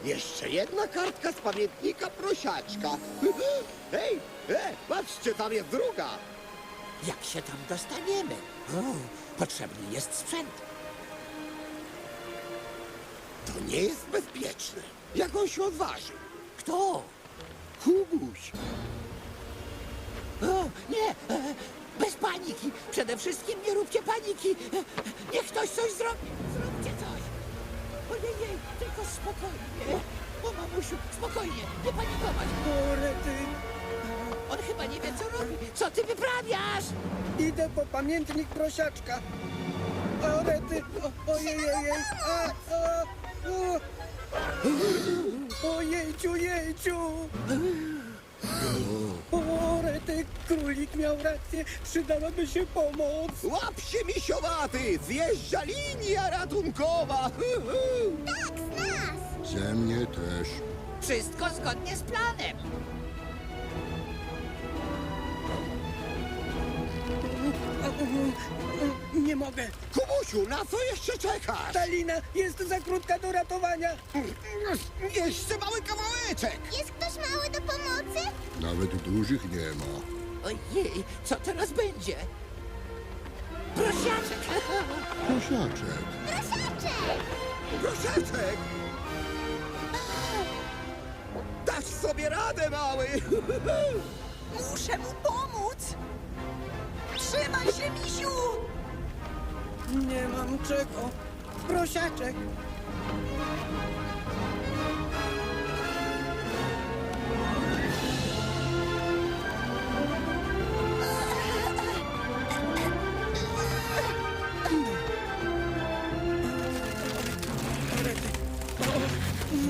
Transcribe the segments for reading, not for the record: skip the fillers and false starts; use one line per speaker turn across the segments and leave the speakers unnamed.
Jeszcze jedna kartka z pamiętnika prosiaczka. Hej, patrzcie, tam jest druga.
Jak się tam dostaniemy? Potrzebny jest sprzęt.
To nie jest bezpieczne. Jak on się odważył?
Kto?
Kubuś.
O, nie! Bez paniki! Przede wszystkim nie róbcie paniki! Niech ktoś coś zrobi! Zróbcie coś! Ojej, tylko spokojnie! O, mamusiu, spokojnie, nie panikować!
O, rety.
On chyba nie wie, co robi! Co ty wyprawiasz?
Idę po pamiętnik prosiaczka. O, rety. Ojej. Ojejciu, jejciu. O, rety, królik miał rację. Przydałaby się pomoc.
Łap się, misiowaty! Zjeżdża linia ratunkowa!
Ze mnie też.
Wszystko zgodnie z planem!
Nie mogę.
Kubusiu, na co jeszcze czekasz?
Ta lina jest za krótka do ratowania.
Jeszcze mały kawałeczek!
Jest ktoś mały do pomocy?
Nawet dużych nie ma.
Ojej, co teraz będzie? Prosiaczek!
Prosiaczek.
Prosiaczek!
Prosiaczek! Dasz sobie radę, mały!
Muszę mu pomóc! Trzymaj się, misiu!
Nie mam czego. Prosiaczek.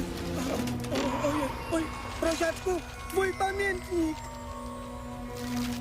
Oj, prosiaczku, twój pamiętnik.